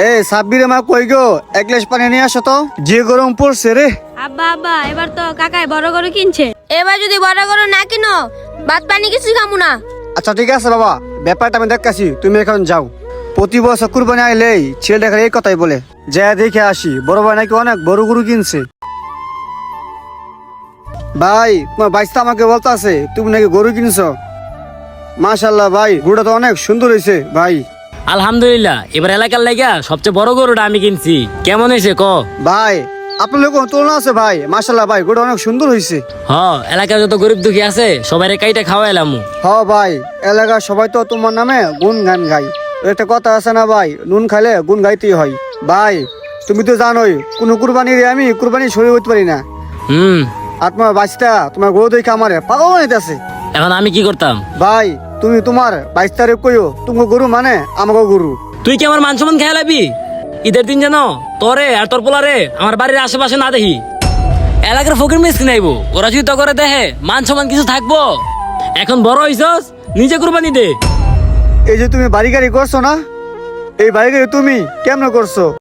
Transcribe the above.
সাব্বিরে মা কই গো, এক গ্লাস পানি নিয়ে আসো তো, যে গরম পড়ছে রে। আব্বা আব্বা এবার তো কাকাই বড় গরু কিনছে, এবার যদি বড় গরু না কিনো ভাত পানি কিছু খামু না। আচ্ছা ঠিক আছে বাবা, ব্যাপারটা আমি দেখতেছি, তুমি এখন যাও। প্রতি বছর কুরবানি আইলেই ছেলে দেখার এই কথাই বলে, যা দেখে আসি বড় ভাই নাকি অনেক বড় গরু কিনছে। ভাই তোমার বাইসটা আমাকে বলতাছে তুমি নাকি গরু কিনছো। মাশাল্লাহ ভাই, গরুটা তো অনেক সুন্দর হয়েছে ভাই। আলহামদুলিল্লাহ, এবার এলাকার লাগা সবচেয়ে বড় গরুটা আমি কিনছি। কেমন হয়েছে ক? ভাই আপনার লোক তুলনা আছে ভাই, মাশাল্লাহ ভাই গরুটা অনেক সুন্দর হয়েছে। হ, এলাকার যত গরিব দুঃখী আছে সবাই কাইটা খাওয়াইলাম। হ ভাই, এলাকার সবাই তো তোমার নামে গুণ গান গাই। একটা কথা আছে না ভাই, নুন খাইলে গুণ গাইতেই হয়। ভাই তুমি তো জানোই কোনো কুরবানির আমি কুরবানি সরিয়ে উঠতে পারি না। আর তোমার বাচ্চা তোমার গরু দেখে আমার পাগল বানাইতেছে। এখন আমি কি করতাম? ভাই তুমি তোমার বাইশটারে কইও তুমি গরু মানে আমাকে গরু। তুই কি আমার মান সম্মান খেয়াল আবি? ঈদের দিন জানো তোরে আর তোর পোলারে আমার বাড়ির আশেপাশে না দেখি। এলাকার ফকির মিসকিন আইবো, ওরা যদি তো করে দেখে মান সম্মান কিছু থাকবো? এখন বড় হইছস, নিজে কুরবানি দে। এই যে তুমি বাড়ি গাড়ি করছো না, এই বাড়ি গাড়ি তুমি কেমন করছো?